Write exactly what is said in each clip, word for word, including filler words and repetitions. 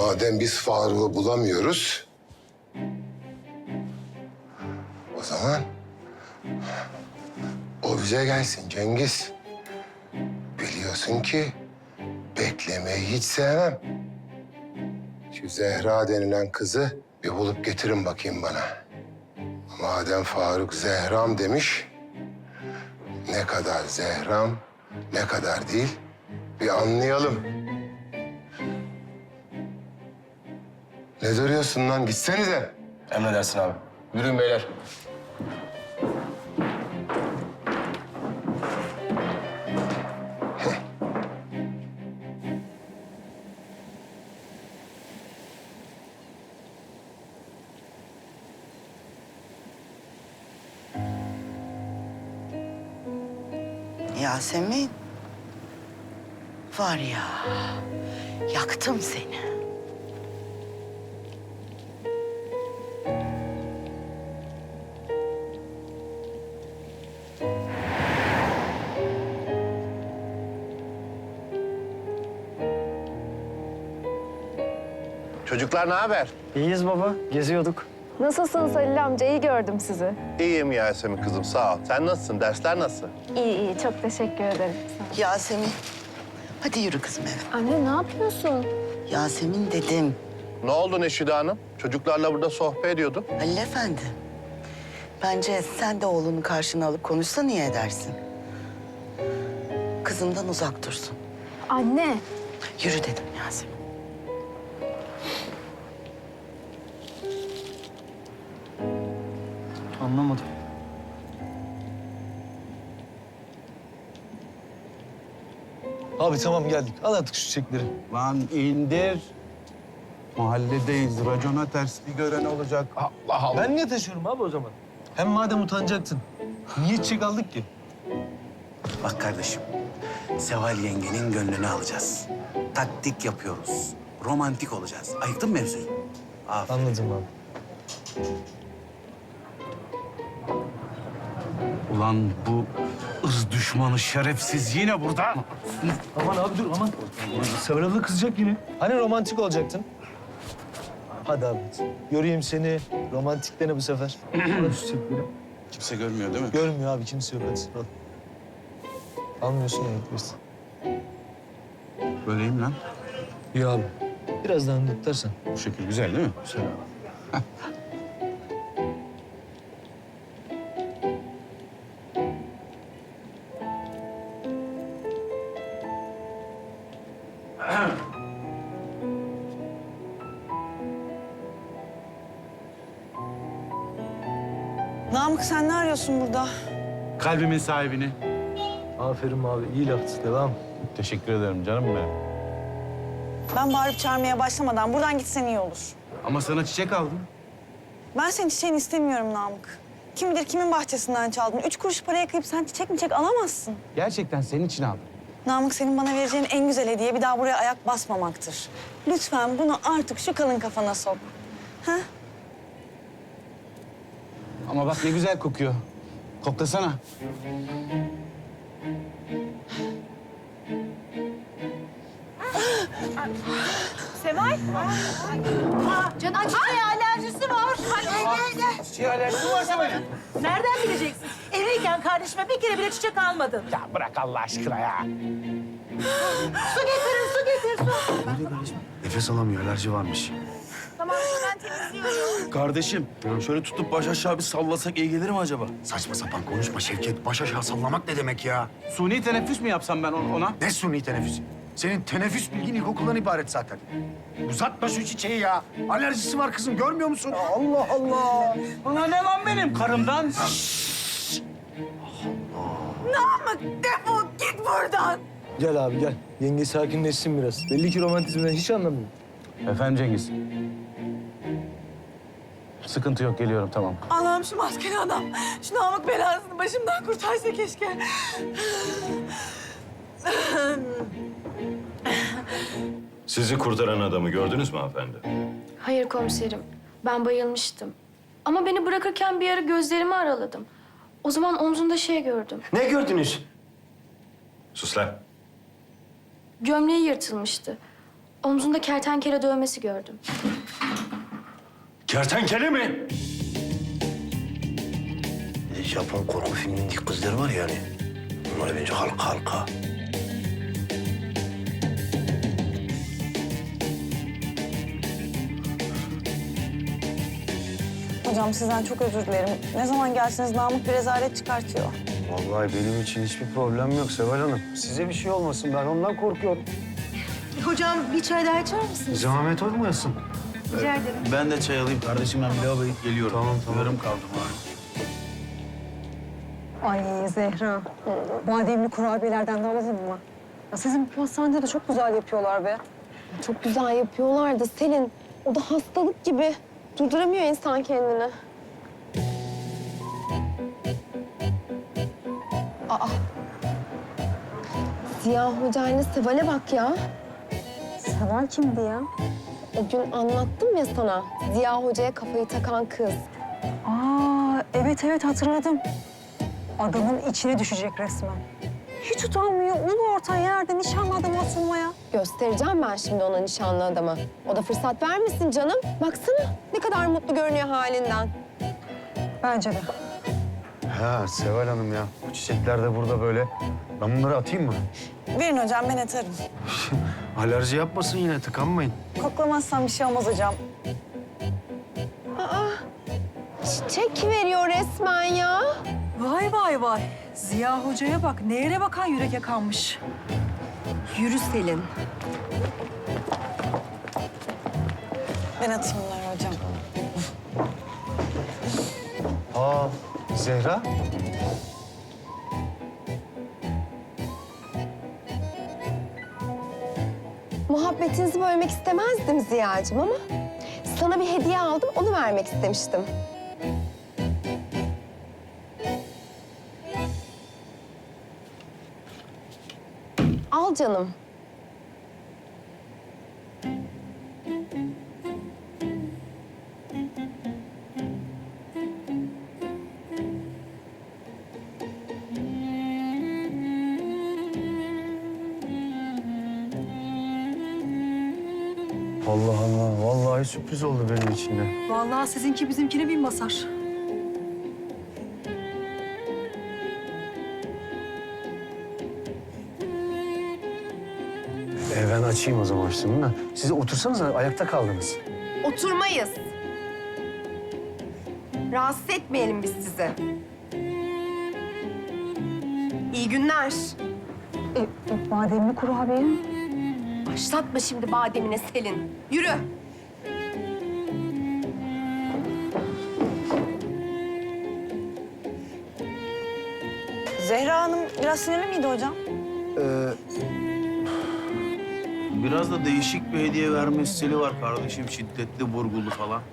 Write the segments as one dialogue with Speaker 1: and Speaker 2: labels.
Speaker 1: madem biz Faruk'u bulamıyoruz... o zaman o bize gelsin Cengiz. Biliyorsun ki beklemeyi hiç sevmem. Şu Zehra denilen kızı bir bulup getirin bakayım bana. Madem Faruk Zehram demiş, ne kadar Zehram, ne kadar değil bir anlayalım. Ne duruyorsun lan? Gitsenize.
Speaker 2: Emredersin abi. Yürüyün beyler.
Speaker 3: Yasemin. Var ya, yaktım seni.
Speaker 4: Çocuklar ne haber?
Speaker 5: İyiyiz baba, geziyorduk.
Speaker 6: Nasılsınız Halil amca? İyi gördüm sizi.
Speaker 4: İyiyim Yasemin kızım, sağ ol. Sen nasılsın? Dersler nasıl?
Speaker 6: İyi iyi, çok teşekkür ederim. Sağ ol.
Speaker 3: Yasemin, hadi yürü kızım eve.
Speaker 6: Anne ne yapıyorsun?
Speaker 3: Yasemin dedim.
Speaker 4: Ne oldu Neşide Hanım? Çocuklarla burada sohbet ediyordum.
Speaker 3: Halil Efendi, bence sen de oğlunu karşına alıp konuşsan iyi edersin. Kızımdan uzak dursun.
Speaker 6: Anne.
Speaker 3: Yürü dedim Yasemin.
Speaker 5: Anlamadım. Abi tamam geldik. Al artık şu çiçekleri.
Speaker 7: Lan indir. Mahalledeyiz. Racona ters bir gören olacak. Allah Allah.
Speaker 5: Ben niye taşıyorum abi o zaman? Hem madem utanacaktın, niye çiçek aldık ki?
Speaker 8: Bak kardeşim, Seval yengenin gönlünü alacağız. Taktik yapıyoruz. Romantik olacağız. Ayıktın mı mevzuyu? Aferin.
Speaker 5: Anladım abi.
Speaker 7: Ulan bu ırz düşmanı şerefsiz yine burada.
Speaker 5: Aman abi dur aman. Seval abla kızacak yine. Hani romantik olacaktın? Hadi abi. Göreyim seni. Romantiklerini bu sefer. Al şu çiçekleri.
Speaker 7: Kimse görmüyor değil mi?
Speaker 5: Görmüyor abi, kimse yok. Hadi al. Almıyorsun ya, gitmesin.
Speaker 7: Böyleyim lan.
Speaker 5: İyi abi. Biraz daha önde tutarsan.
Speaker 7: Bu şekil güzel değil mi?
Speaker 5: Güzel abi.
Speaker 9: Namık sen ne arıyorsun burada?
Speaker 7: Kalbimin sahibini.
Speaker 5: Aferin abi, iyi laftı. Devam.
Speaker 7: Teşekkür ederim canım benim.
Speaker 9: Ben bağırıp çağırmaya başlamadan buradan gitsen iyi olur.
Speaker 7: Ama sana çiçek aldım.
Speaker 9: Ben senin çiçeğini istemiyorum Namık. Kim bilir kimin bahçesinden çaldın. Üç kuruş paraya kıyıp sen çiçek mi çiçek alamazsın.
Speaker 7: Gerçekten senin için aldım.
Speaker 9: Namık senin bana vereceğin en güzel hediye bir daha buraya ayak basmamaktır. Lütfen bunu artık şu kalın kafana sok. Ha?
Speaker 7: Ama bak ne güzel kokuyor. Koklasana.
Speaker 6: Seval. Canan çiçeğe alerjisi var.
Speaker 7: Çiçeğe alerjisi var Seval'in.
Speaker 10: Nereden bileceksin? Evliyken kardeşime bir kere bile çiçek almadın.
Speaker 7: Ya bırak Allah aşkına ya.
Speaker 10: Su getirin, su getir, su.
Speaker 8: Nefes alamıyor, alerji varmış.
Speaker 10: Tamam, ben temizliyorum.
Speaker 11: Kardeşim, şöyle tutup baş aşağı bir sallasak iyi gelir mi acaba?
Speaker 8: Saçma sapan konuşma Şevket. Baş aşağı sallamak ne demek ya?
Speaker 7: Suni teneffüs mü yapsam ben ona?
Speaker 8: Ne suni teneffüsü? Senin teneffüs bilgin ilkokuldan ibaret zaten. Uzatma şu çiçeği ya. Alerjisi var kızım, görmüyor musun?
Speaker 7: Allah Allah. Bana ne lan benim karımdan?
Speaker 10: Namık defol git buradan.
Speaker 5: Gel abi gel. Yenge sakinleşsin biraz. Belli ki romantizmden hiç anlamıyor.
Speaker 7: Efendim Cengiz. Sıkıntı yok, geliyorum tamam.
Speaker 10: Allah'ım şu maskeli adam. Şu Namık belasını başımdan kurtarsa keşke.
Speaker 12: Sizi kurtaran adamı gördünüz mü hanımefendi?
Speaker 6: Hayır komiserim. Ben bayılmıştım. Ama beni bırakırken bir ara gözlerimi araladım. O zaman omzunda şey gördüm.
Speaker 11: Ne gördünüz?
Speaker 12: Sus lan.
Speaker 6: Gömleği yırtılmıştı. Omzunda kertenkele dövmesi gördüm.
Speaker 12: Kertenkele mi?
Speaker 2: Japon korku filmindeki kızlar var yani. Bunlar bence halka halka.
Speaker 9: Hocam sizden çok özür dilerim. Ne zaman gelseniz Namık bir rezalet çıkartıyor.
Speaker 5: Vallahi benim için hiçbir problem yok Seval Hanım. Size bir şey olmasın, ben ondan korkuyorum.
Speaker 10: Hocam bir çay daha içer misiniz?
Speaker 5: Zahmet olmayasın.
Speaker 10: Rica ederim.
Speaker 11: Ben de çay alayım kardeşim. Ben bir lavaboya gidip geliyorum.
Speaker 5: Tamam, tamam.
Speaker 11: Yarım kaldım abi.
Speaker 9: Ay Zehra, bademli kurabiyelerden de alalım mı? Ya sizin pastanede de çok güzel yapıyorlar be.
Speaker 13: Çok güzel yapıyorlar da Selin, o da hastalık gibi. Durduramıyor insan kendini. Aa. Ziya Hoca ile Seval'e bak ya.
Speaker 9: Seval kimdi ya?
Speaker 13: O gün anlattım ya sana. Ziya Hoca'ya kafayı takan kız.
Speaker 9: Aa, evet evet hatırladım. Adamın içine düşecek resmen. Hiç utanmıyor. Ulu orta yerde nişanlı adam asılmaya.
Speaker 13: Göstereceğim ben şimdi ona nişanlı adamı. O da fırsat vermesin canım. Baksana ne kadar mutlu görünüyor halinden.
Speaker 9: Bence de.
Speaker 5: Ha Seval Hanım ya, bu çiçekler de burada böyle. Ben bunları atayım mı?
Speaker 9: Verin hocam ben atarım.
Speaker 5: Alerji yapmasın yine, tıkanmayın.
Speaker 9: Koklamazsam bir şey olmaz hocam.
Speaker 13: Aa, çiçek veriyor resmen ya.
Speaker 10: Vay vay vay. Ziya Hoca'ya bak. Nehre bakan yürek yakanmış.
Speaker 13: Yürü Selin.
Speaker 9: Ben atayım bunları hocam.
Speaker 5: Aa, Zehra.
Speaker 13: Muhabbetinizi bölmek istemezdim Ziya'cığım ama sana bir hediye aldım, onu vermek istemiştim. Al canım.
Speaker 5: Allah Allah, vallahi sürpriz oldu benim için de.
Speaker 10: Vallahi sizinki bizimkine bin basar.
Speaker 5: E ben açayım o zaman şunu da. Siz otursanız ayakta kaldınız.
Speaker 13: Oturmayız. Rahatsız etmeyelim biz sizi. İyi günler.
Speaker 9: E, bademli kurabiye.
Speaker 13: Başlatma şimdi bademine Selin. Yürü.
Speaker 9: Zehra Hanım biraz sinirli miydi hocam?
Speaker 11: Biraz da değişik bir hediye verme stili var kardeşim. Şiddetli, vurgulu falan.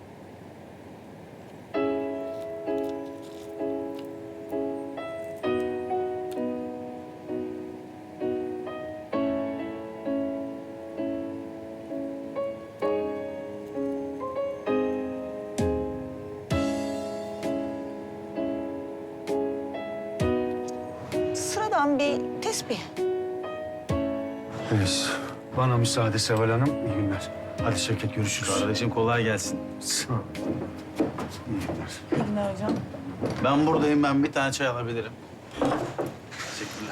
Speaker 9: Sıradan bir tesbih.
Speaker 5: Neyse, bana müsaade Seval Hanım. İyi günler. Hadi Şevket, görüşürüz.
Speaker 11: Kardeşim kolay gelsin.
Speaker 5: Sağ ol. İyi günler.
Speaker 9: İyi günler hocam.
Speaker 11: Ben buradayım. Ben bir tane çay alabilirim. Teşekkürler.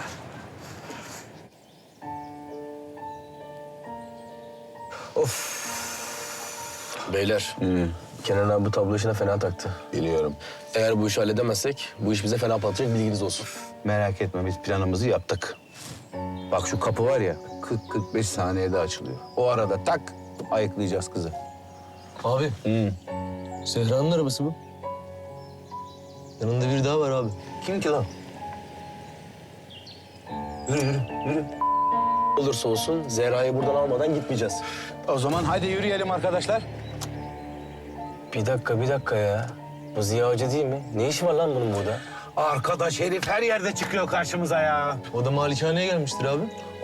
Speaker 2: Beyler, Kenan abi bu tablo işine fena taktı. Biliyorum. Eğer bu işi halledemezsek bu iş bize fena patlayacak, bilginiz olsun.
Speaker 8: Merak etme biz planımızı yaptık. Bak şu kapı var ya kırk kırk beş saniyede açılıyor. O arada tak ayıklayacağız kızı.
Speaker 2: Abi, Zehra'nın arabası bu. Yanında biri daha var abi.
Speaker 8: Kim ki lan?
Speaker 2: Yürü, yürü, yürü. Olursa olsun Zehra'yı buradan almadan gitmeyeceğiz.
Speaker 8: O zaman hadi yürüyelim arkadaşlar.
Speaker 2: Bir dakika, bir dakika ya. Bu Ziya Hoca değil mi? Ne işi var lan bunun burada?
Speaker 8: Arkadaş herif her yerde çıkıyor karşımıza ya.
Speaker 2: O da malikaneye gelmiştir abi.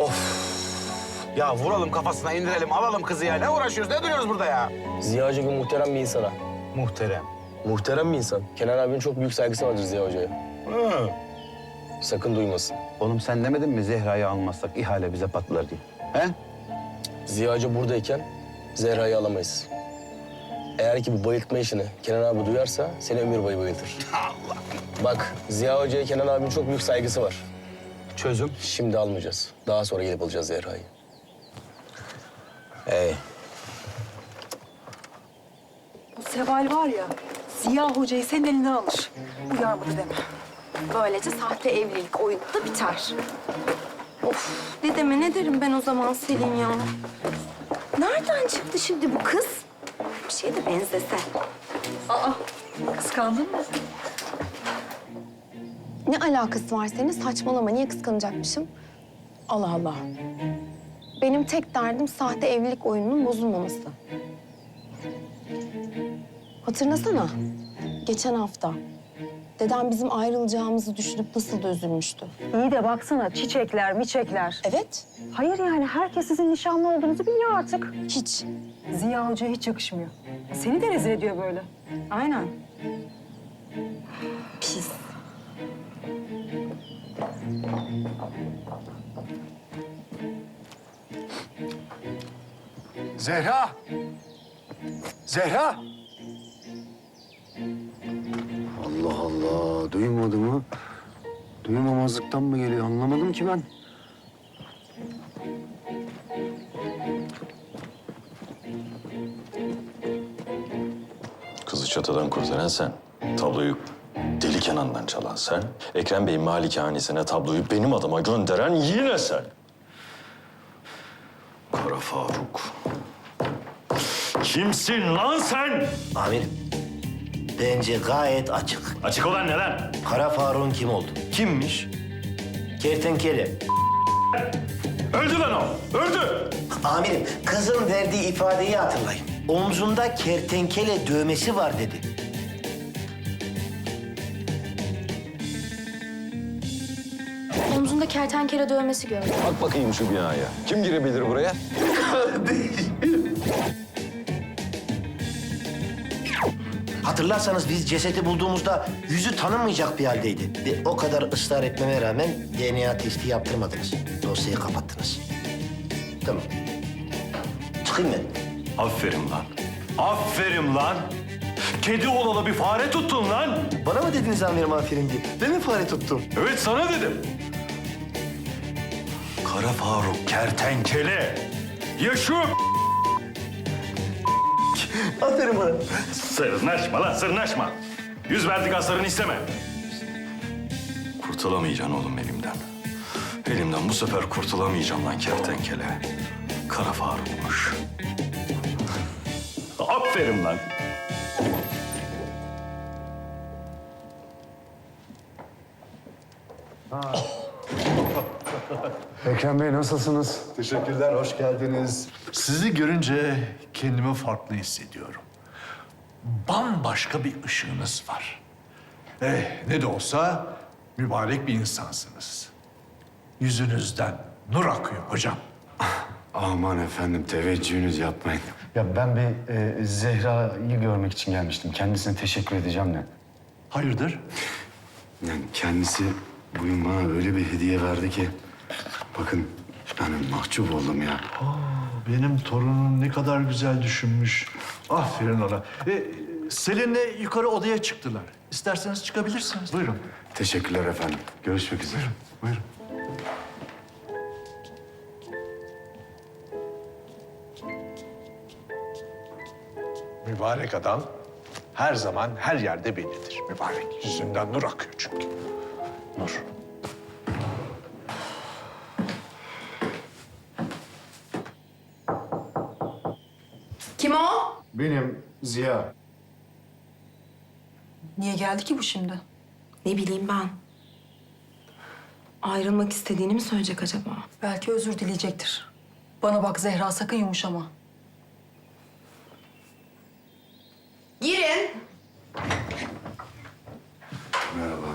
Speaker 8: Ya vuralım kafasına indirelim alalım kızı ya. Ne uğraşıyoruz ne duruyoruz burada ya?
Speaker 2: Ziya Hoca gibi muhterem bir insana.
Speaker 8: Muhterem.
Speaker 2: Muhterem bir insan. Kenan abinin çok büyük saygısı vardır Ziya Hoca'ya.
Speaker 8: Hı.
Speaker 2: Sakın duymasın.
Speaker 8: Oğlum sen demedin mi Zehra'yı almazsak ihale bize patlar diye? He?
Speaker 2: Ziya Hoca buradayken Zehra'yı alamayız. Eğer ki bu bayıltma işini Kenan abi duyarsa seni ömür boyu bayıltır. Allah! Bak Ziya Hoca'ya Kenan abinin çok büyük saygısı var.
Speaker 5: Çözüm?
Speaker 2: Şimdi almayacağız. Daha sonra gelip alacağız Zehra'yı.
Speaker 5: Hey.
Speaker 10: Bu Seval var ya, Ziya Hoca'yı senin elinden alır. Uyarmadı deme.
Speaker 13: Böylece sahte evlilik oyunu da biter. Of, ne deme ne derim ben o zaman Selin ya. Nereden çıktı şimdi bu kız? Bir şeye de benzese.
Speaker 10: Aa, kıskandın mı?
Speaker 13: Ne alakası var senin? Saçmalama. Niye kıskanacakmışım? Allah Allah. Benim tek derdim sahte evlilik oyununun bozulmaması. Hatırlasana. Geçen hafta dedem bizim ayrılacağımızı düşünüp nasıl da üzülmüştü.
Speaker 9: İyi de baksana çiçekler, miçekler.
Speaker 13: Evet.
Speaker 9: Hayır yani herkes sizin nişanlı olduğunuzu biliyor artık.
Speaker 13: Hiç.
Speaker 9: Ziya Hoca'ya hiç yakışmıyor. Seni de rezil ediyor böyle. Aynen.
Speaker 13: Pis.
Speaker 5: Zehra! Zehra!
Speaker 1: Allah Allah, duymadı mı? Duymamazlıktan mı geliyor anlamadım ki ben.
Speaker 12: Kızı çatıdan kurtaran sen. Tabloyu Deli Kenan'dan çalan sen. Ekrem Bey'in malikanesine tabloyu benim adıma gönderen yine sen. Kara Faruk. Kimsin lan sen?
Speaker 14: Amirim, bence gayet açık.
Speaker 12: Açık olan ne lan?
Speaker 14: Kara Faruk'un kim oldu?
Speaker 12: Kimmiş?
Speaker 14: Kertenkele.
Speaker 12: Öldü lan o, öldü.
Speaker 14: Amirim, kızın verdiği ifadeyi hatırlayın. Omzunda kertenkele dövmesi var dedi.
Speaker 6: Omzunda kertenkele dövmesi gördüm.
Speaker 12: Bak bakayım şu binaya. Kim girebilir buraya?
Speaker 14: Hatırlarsanız biz cesedi bulduğumuzda yüzü tanınmayacak bir haldeydi. Ve o kadar ısrar etmeme rağmen D N A testi yaptırmadınız. Dosyayı kapattınız. Tamam. Çıkayım ben.
Speaker 12: Aferin lan. Aferin lan. Kedi olalı bir fare tuttun lan.
Speaker 14: Bana mı dediniz amirim aferin diye? Ben mi fare tuttum?
Speaker 12: Evet sana dedim. Kara Faruk kertenkele. Yaşıyor.
Speaker 14: Aferin bana.
Speaker 12: Sırnaşma lan sırnaşma. Yüz verdik aslarını isteme. Kurtulamayacaksın oğlum elimden. Elimden bu sefer kurtulamayacağım lan kertenkele. Kara Faruk'muş. Aferin lan.
Speaker 1: Ekrem Bey nasılsınız?
Speaker 5: Teşekkürler, hoş geldiniz. Sizi görünce kendimi farklı hissediyorum. Bambaşka bir ışığınız var. Eh, ne de olsa mübarek bir insansınız. Yüzünüzden nur akıyor hocam.
Speaker 1: Aman efendim teveccühünüz yapmayın. Ya ben bir e, Zehra'yı görmek için gelmiştim. Kendisine teşekkür edeceğim de.
Speaker 5: Hayırdır?
Speaker 1: Yani kendisi bugün bana öyle bir hediye verdi ki... Bakın yani mahcup oldum ya.
Speaker 5: Aa, benim torunum ne kadar güzel düşünmüş. Aferin ona. E, Selin'le yukarı odaya çıktılar. İsterseniz çıkabilirsiniz. Buyurun.
Speaker 1: Teşekkürler efendim. Görüşmek üzere.
Speaker 5: Buyurun. Mübarek adam her zaman her yerde bellidir. Mübarek. Yüzünden nur akıyor çünkü. Nur.
Speaker 10: Kim o?
Speaker 1: Benim Ziya.
Speaker 10: Niye geldi ki bu şimdi?
Speaker 13: Ne bileyim ben. Ayrılmak istediğini mi söyleyecek acaba?
Speaker 10: Belki özür dileyecektir. Bana bak Zehra, sakın yumuşama.
Speaker 13: Girin.
Speaker 1: Merhaba.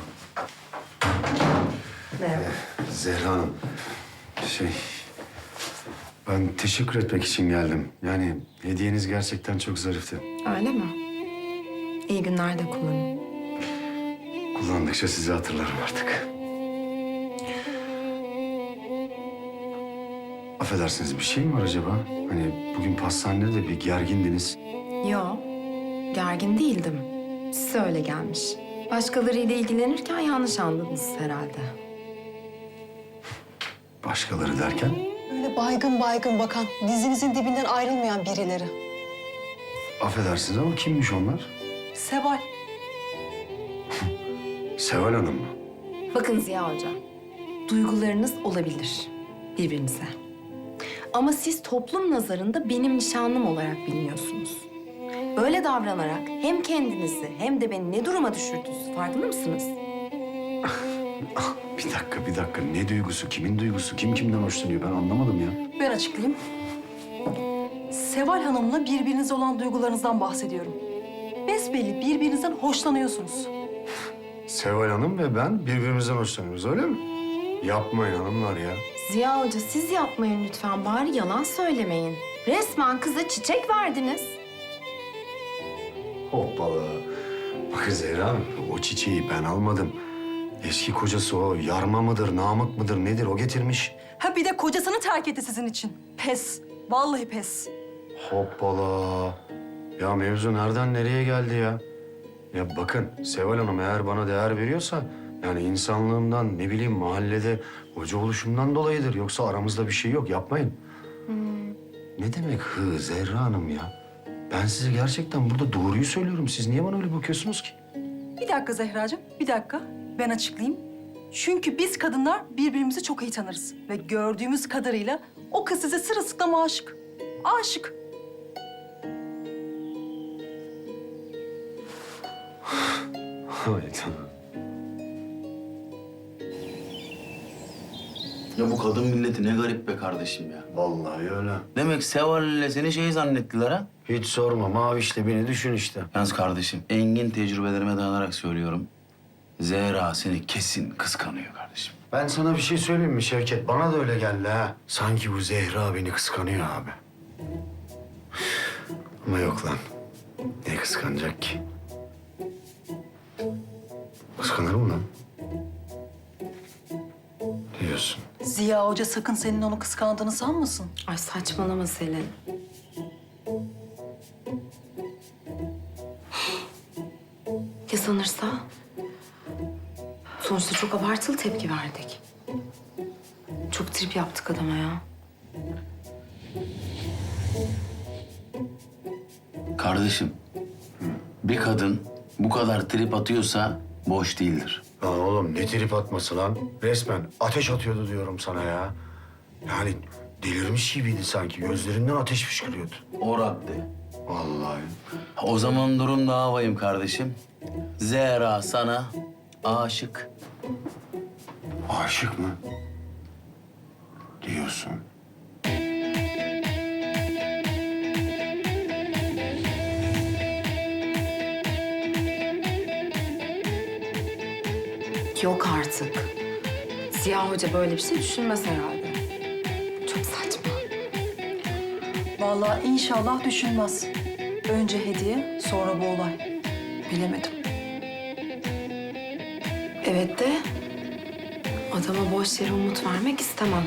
Speaker 13: Merhaba.
Speaker 1: Zehra Hanım. Şey... Ben teşekkür etmek için geldim. Yani hediyeniz gerçekten çok zarifti.
Speaker 13: Öyle mi? İyi günler de kullanın.
Speaker 1: Kullandıkça sizi hatırlarım artık.
Speaker 15: Affedersiniz bir şey mi var acaba? Hani bugün pastanede de bir gergindiniz.
Speaker 13: Yo, gergin değildim. Size öyle gelmiş. Başkalarıyla ilgilenirken yanlış anladınız herhalde.
Speaker 15: Başkaları derken?
Speaker 9: Öyle baygın baygın bakan, dizinizin dibinden ayrılmayan birileri.
Speaker 15: Affedersiniz ama kimmiş onlar?
Speaker 10: Seval.
Speaker 15: Seval Hanım mı?
Speaker 13: Bakın Ziya Hoca, duygularınız olabilir birbirinize. Ama siz toplum nazarında benim nişanlım olarak biliniyorsunuz. Böyle davranarak hem kendinizi hem de beni ne duruma düşürdünüz farkında mısınız?
Speaker 15: Bir dakika, bir dakika. Ne duygusu, kimin duygusu, kim kimden hoşlanıyor ben anlamadım ya.
Speaker 10: Ben açıklayayım. Seval Hanım'la birbirinize olan duygularınızdan bahsediyorum. Besbelli birbirinizden hoşlanıyorsunuz.
Speaker 15: Seval Hanım ve ben birbirimizden hoşlanıyoruz öyle mi? Yapmayın hanımlar ya.
Speaker 13: Ziya Hoca siz yapmayın lütfen bari yalan söylemeyin. Resmen kıza çiçek verdiniz.
Speaker 15: Hoppala. Bakın Zehra Hanım, o çiçeği ben almadım. Eski kocası o yarma mıdır, namık mıdır nedir o getirmiş.
Speaker 10: Ha bir de kocasını terk etti sizin için. Pes. Vallahi pes.
Speaker 15: Hoppala. Ya mevzu nereden nereye geldi ya? Ya bakın Seval Hanım eğer bana değer veriyorsa... yani insanlığımdan, ne bileyim mahallede hoca oluşumdan dolayıdır. Yoksa aramızda bir şey yok, yapmayın. Ne demek hı Zehra Hanım ya? Ben size gerçekten burada doğruyu söylüyorum. Siz niye bana öyle bakıyorsunuz ki?
Speaker 10: Bir dakika Zehracığım, bir dakika. Ben açıklayayım. Çünkü biz kadınlar birbirimizi çok iyi tanırız. Ve gördüğümüz kadarıyla o kız size sırılsıklam aşık. Aşık.
Speaker 15: Hayır canım.
Speaker 11: Ya bu kadın milleti ne garip be kardeşim ya.
Speaker 15: Vallahi öyle.
Speaker 11: Demek Seval ile seni şey zannettiler ha?
Speaker 15: Hiç sorma. Mavişle beni düşün işte.
Speaker 11: Yalnız kardeşim, engin tecrübelerime dayanarak söylüyorum. Zehra seni kesin kıskanıyor kardeşim.
Speaker 15: Ben sana bir şey söyleyeyim mi Şevket? Bana da öyle geldi ha. Sanki bu Zehra beni kıskanıyor abi. Ama yok lan. Ne kıskanacak ki? Kıskanır mı lan? Diyorsun.
Speaker 10: Ziya Hoca sakın senin onu kıskandığını sanmasın.
Speaker 13: Ay saçmalama Selin. Ya sanırsa? Sonuçta çok abartılı tepki verdik. Çok trip yaptık adama ya.
Speaker 11: Kardeşim, bir kadın bu kadar trip atıyorsa boş değildir.
Speaker 15: Lan oğlum ne trip atması lan? Resmen ateş atıyordu diyorum sana ya. Yani delirmiş gibiydi sanki. Gözlerinden ateş fışkırıyordu.
Speaker 11: O radde.
Speaker 15: Vallahi.
Speaker 11: O zaman durum daha vahim kardeşim. Zehra sana aşık.
Speaker 15: Aşık mı? Diyorsun.
Speaker 13: Yok artık. Ziya Hoca böyle bir şey düşünmez herhalde. Çok saçma.
Speaker 10: Vallahi inşallah düşünmez. Önce hediye, sonra bu olay. Bilemedim.
Speaker 13: Evet de adama boş yere umut vermek istemem.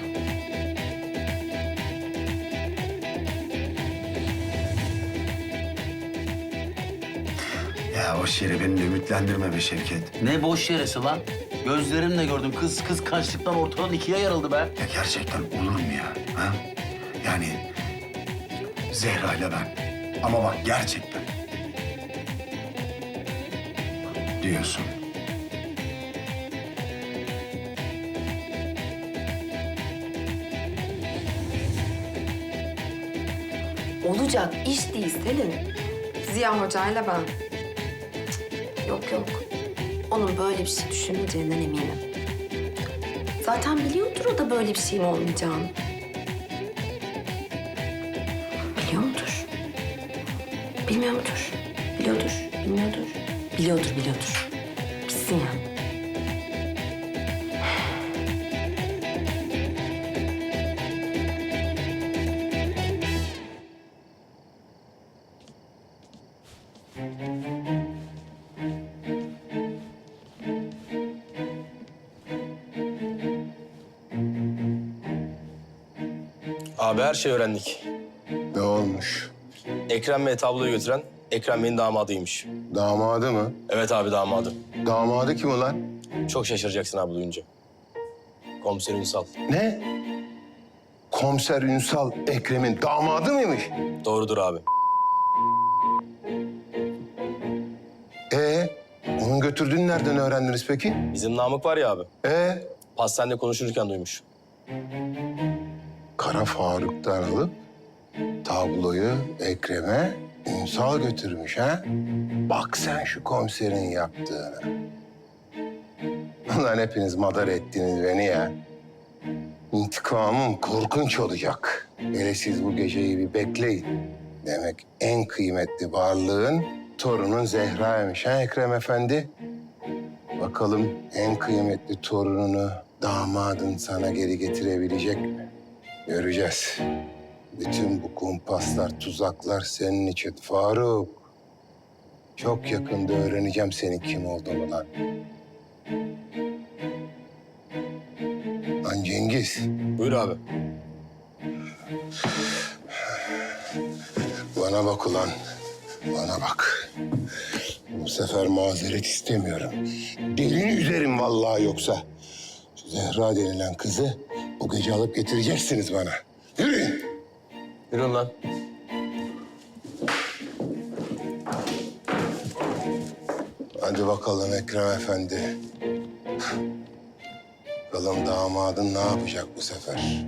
Speaker 15: Ya boş yere beni de ümitlendirme be Şevket.
Speaker 11: Ne boş yeresi lan? Gözlerimle gördüm. Kız kız kaçlıktan ortadan ikiye yarıldı be.
Speaker 15: Ya gerçekten olur mu ya? Ha? Yani Zehra ile ben. Ama bak gerçekten. Diyorsun.
Speaker 13: Olacak iş değil Selin. Ziya Hoca'yla ben. Cık, Yok yok. Onun böyle bir şey düşünmeyeceğinden eminim. Zaten biliyordur o da böyle bir şeyin olmayacağını. Biliyor mudur? Bilmiyor mudur? Biliyordur, bilmiyordur. Biliyordur, biliyordur. Bilsin yani.
Speaker 2: Abi her şeyi öğrendik.
Speaker 1: Ne olmuş?
Speaker 2: Ekrem Bey tabloyu götüren Ekrem Bey'in damadıymış.
Speaker 1: Damadı mı?
Speaker 2: Evet abi damadı.
Speaker 1: Damadı kim ulan?
Speaker 2: Çok şaşıracaksın abi duyunca. Komiser Ünsal.
Speaker 1: Ne? Komiser Ünsal Ekrem'in damadı mıymış?
Speaker 2: Doğrudur abi.
Speaker 1: Ee, onun götürdüğünü nereden öğrendiniz peki?
Speaker 2: Bizim Namık var ya abi.
Speaker 1: Ee,
Speaker 2: Pastanede konuşurken duymuş.
Speaker 1: Kara Faruk'tan alıp tabloyu Ekrem'e Ünsal götürmüş ha? Bak sen şu komiserin yaptığını. Ulan hepiniz madar ettiniz beni ya. İntikamım korkunç olacak. Hele siz bu geceyi bir bekleyin. Demek en kıymetli varlığın torunun Zehra'ymış ha Ekrem Efendi? Bakalım en kıymetli torununu damadın sana geri getirebilecek mi? Göreceğiz. Bütün bu kumpaslar, tuzaklar senin için Faruk. Çok yakında öğreneceğim senin kim olduğunu lan. Lan Cengiz.
Speaker 2: Buyur abi.
Speaker 1: Bana bak ulan. Bana bak. Bu sefer mazeret istemiyorum. Delini üzerim vallahi yoksa. Şu Zehra denilen kızı bu gece alıp getireceksiniz bana. Yürüyün.
Speaker 2: Yürüyün lan.
Speaker 1: Hadi bakalım Ekrem Efendi. Bakalım damadın ne yapacak bu sefer?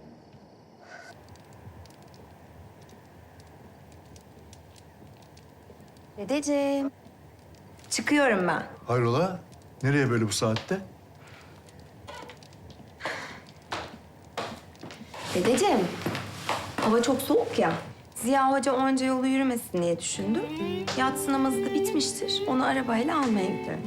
Speaker 13: Dedeciğim. Çıkıyorum ben.
Speaker 5: Hayrola? Nereye böyle bu saatte?
Speaker 13: Dedeciğim. Hava çok soğuk ya. Ziya Hoca onca yolu yürümesin diye düşündüm. Yatsı namazı da bitmiştir. Onu arabayla almaya gidiyorum.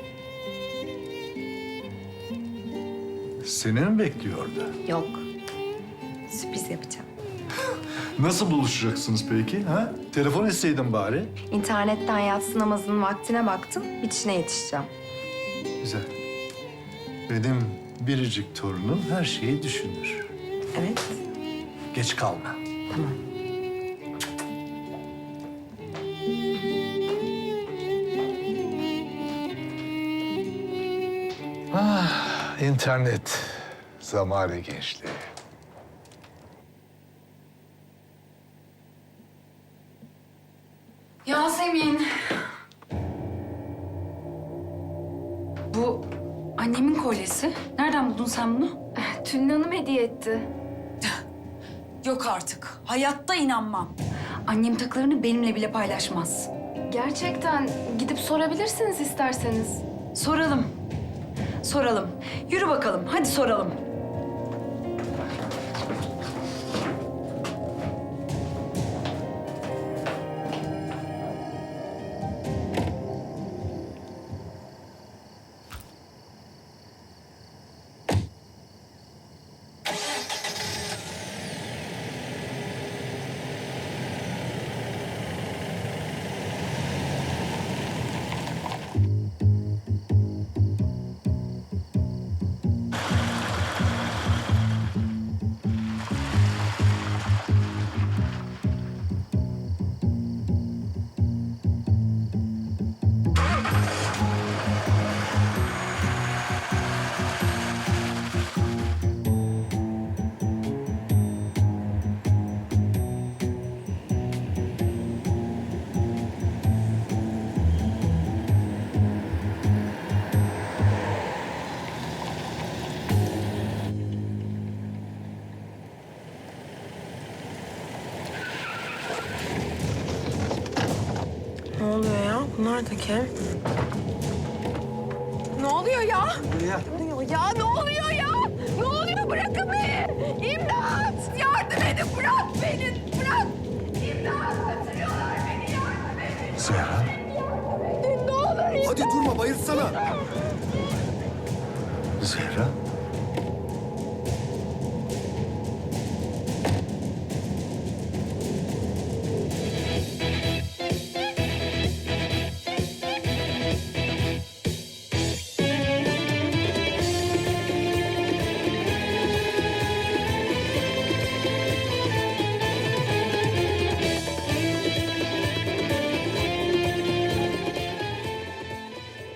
Speaker 5: Seni mi bekliyor orada?
Speaker 13: Yok. Sürpriz yapacağım.
Speaker 5: Nasıl buluşacaksınız peki? Ha? Telefon etseydin bari.
Speaker 13: İnternetten yatsı namazının vaktine baktım. Bitişine yetişeceğim.
Speaker 5: Güzel. Benim biricik torunum her şeyi düşünür.
Speaker 13: Evet.
Speaker 5: Geç kalma.
Speaker 13: Tamam.
Speaker 16: Ah, internet. Zamanı gençliği.
Speaker 17: Yasemin. Bu annemin kolyesi. Nereden buldun sen bunu?
Speaker 6: Tülin Hanım hediye etti.
Speaker 17: Yok artık. Hayatta inanmam. Annem takılarını benimle bile paylaşmaz.
Speaker 6: Gerçekten gidip sorabilirsiniz isterseniz.
Speaker 17: Soralım. Soralım. Yürü bakalım. Hadi soralım.
Speaker 13: Ne oluyor ya? Bunlar da kim? Ne oluyor ya? Ne oluyor ya? Ne oluyor ya? Ne oluyor? Bırakın beni! İmdat! Yardım edin! Bırak beni! Bırak! İmdat! Kaçırıyorlar beni! Yardım edin!
Speaker 16: Zehra.
Speaker 13: Ne olur!
Speaker 15: Hadi durma bayılsana.
Speaker 16: Zehra.